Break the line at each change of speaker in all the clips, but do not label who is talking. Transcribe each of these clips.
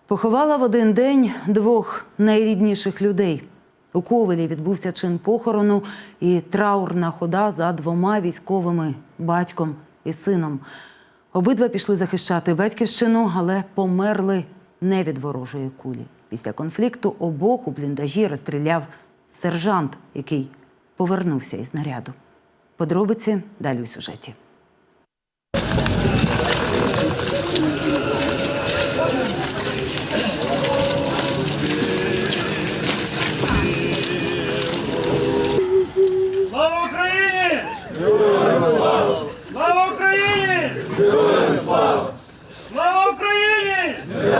Поховала в один день двох найрідніших людей. У Ковелі відбувся чин похорону і траурна хода за двома військовими – батьком і сином. Обидва пішли захищати батьківщину, але померли не від ворожої кулі. Після конфлікту обох у бліндажі розстріляв сержант, який повернувся із наряду. Подробиці далі у сюжеті.
Слава Україні! Слава Україні! Слава Україні!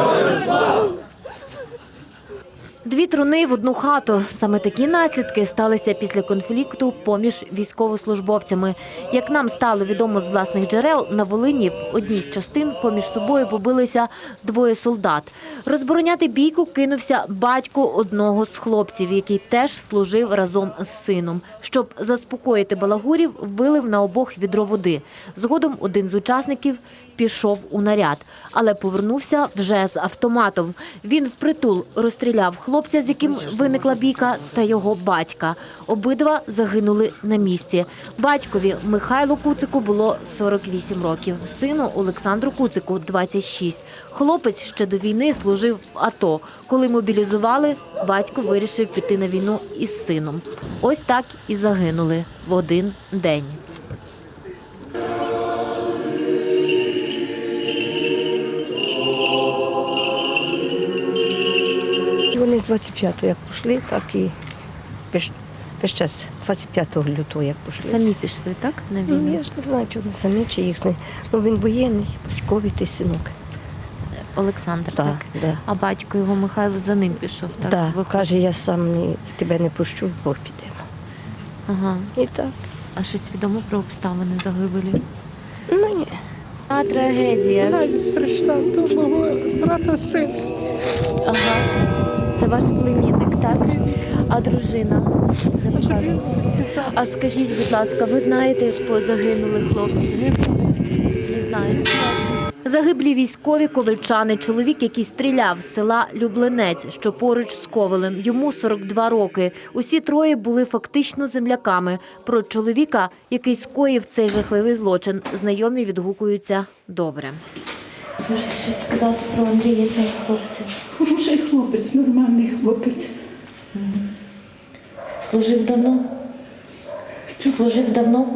Дві труни в одну хату. Саме такі наслідки сталися після конфлікту поміж військовослужбовцями. Як нам стало відомо з власних джерел, на Волині в одній з частин поміж собою побилися двоє солдат. Розбороняти бійку кинувся батько одного з хлопців, який теж служив разом з сином. Щоб заспокоїти балагурів, вилив на обох відро води. Згодом один з учасників пішов у наряд, але повернувся вже з автоматом. Він впритул розстріляв хлопця, з яким виникла бійка, та його батька. Обидва загинули на місці. Батькові Михайлу Куцику було 48 років, сину Олександру Куцику – 26. Хлопець ще до війни служив в АТО. Коли мобілізували, батько вирішив піти на війну із сином. Ось так і загинули в один день.
Вони з 25-го як пішли, так і весь час 25 лютого як пішли.
Самі пішли, так, на
Ну,
війну?
я ж не знаю, чи вони самі, чи їхні. Ну, він воєнний, військовий той синок.
Олександр,
Так,
так?
да.
А батько його Михайло за ним пішов, так?
Так,
Виходить.
каже, я сам тебе не пущу, бо підемо.
Ага.
І так.
А щось відомо про обставини загибелі?
Ну, ні.
А трагедія.
Знаю, страшна, то мого брата син.
Ага. Це ваш племінник, так? А дружина? А скажіть, будь ласка, ви знаєте, як загинули хлопці? Не знаєте. Загиблі військові ковельчани. Чоловік, який стріляв з села Люблинець, що поруч з Ковелем. Йому 42 роки. Усі троє були фактично земляками. Про чоловіка, який скоїв цей жахливий злочин, знайомі відгукуються добре. Можете щось сказати про Андрія, цього хлопця?
Хороший хлопець, нормальний хлопець.
Служив давно? Служив давно?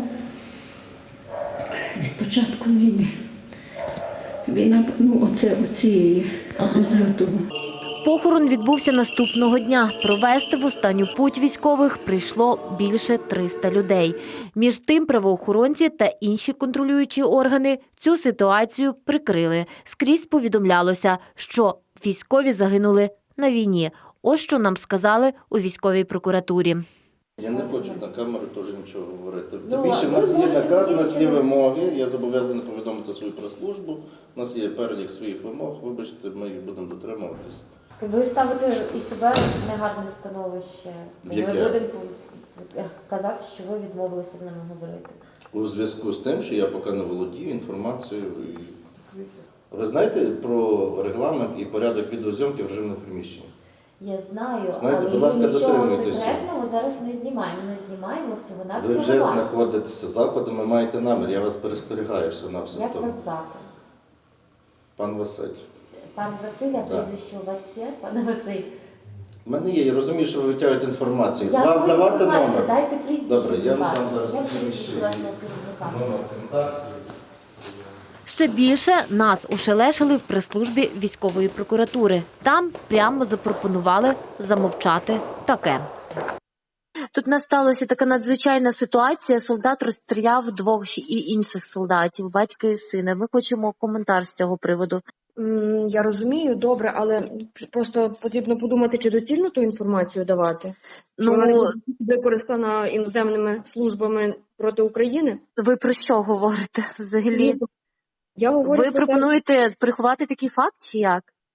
Від початку війни. Війна, оцієї, з лютого.
Похорон відбувся наступного дня. Провести в останню путь військових прийшло більше 300 людей. Між тим правоохоронці та інші контролюючі органи цю ситуацію прикрили. Скрізь повідомлялося, що військові загинули на війні. Ось що нам сказали у військовій прокуратурі.
Я не хочу на камеру теж нічого говорити. Тим більше в нас є наказ, у нас є вимоги, я зобов'язаний повідомити свою прес-службу, у нас є перелік своїх вимог, вибачте, ми їх будемо дотримуватись.
Ви ставите і себе в негарне становище.
Яке?
Ми будемо казати, що ви відмовилися з нами говорити.
У зв'язку з тим, що я поки не володію інформацією. Ви знаєте про регламент і порядок відеозйомки в режимних приміщеннях?
Я знаю,
Знаєте,
але
будь ласка,
ми нічого
дотримуйтеся.
секретного зараз не знімаємо. Ми знімаємо
Ви
всього-навсього
вже
вас.
знаходитеся за заходами, маєте намір, я вас перестерігаю всього-навсього
Як
тому.
вас звати?
Пан Василь.
Пан Василь, а прізвище у вас є? Пане Василь.
У мене є, я розумію, що ви витягуєте інформацію.
Яку
Вам давати
інформацію?
номер?
Дайте прізвище.
Добре, я вам
ваше.
дам зараз
Як
прізвище.
прізвище вашого керівника?
Номер контакту.
Ще більше нас ушелешили в прес-службі військової прокуратури. Там прямо запропонували замовчати таке. Тут насталася така надзвичайна ситуація. Солдат розстріляв двох інших солдатів, батька і сина. Ми хочемо коментар з цього приводу.
Я розумію, добре, але просто потрібно подумати, чи доцільно ту інформацію давати. Чи вона не буде використана іноземними службами проти України?
Ви про що говорите взагалі?
Я говорю
Ви
про те,
пропонуєте приховати такий факт чи як?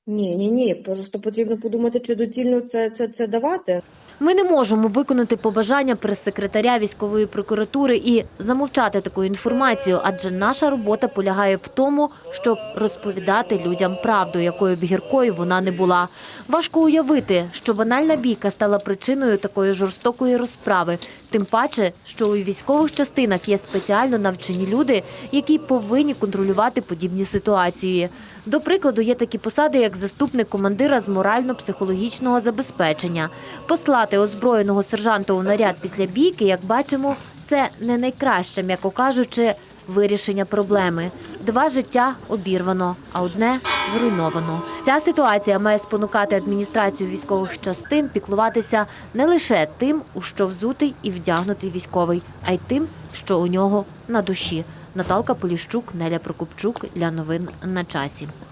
Ні. Просто потрібно подумати, чи доцільно це давати.
Ми не можемо виконати побажання прес-секретаря військової прокуратури і замовчати таку інформацію, адже наша робота полягає в тому, щоб розповідати людям правду, якою б гіркою вона не була. Важко уявити, що банальна бійка стала причиною такої жорстокої розправи. Тим паче, що у військових частинах є спеціально навчені люди, які повинні контролювати подібні ситуації. До прикладу, є такі посади, як заступник командира з морально-психологічного забезпечення. Послати озброєного сержанта у наряд після бійки, як бачимо, це не найкраще, м'яко кажучи, вирішення проблеми. 2 життя обірвано, а одне зруйновано. Ця ситуація має спонукати адміністрацію військових частин піклуватися не лише тим, у що взутий і вдягнутий військовий, а й тим, що у нього на душі. Наталка Поліщук, Неля Прокопчук для новин на часі.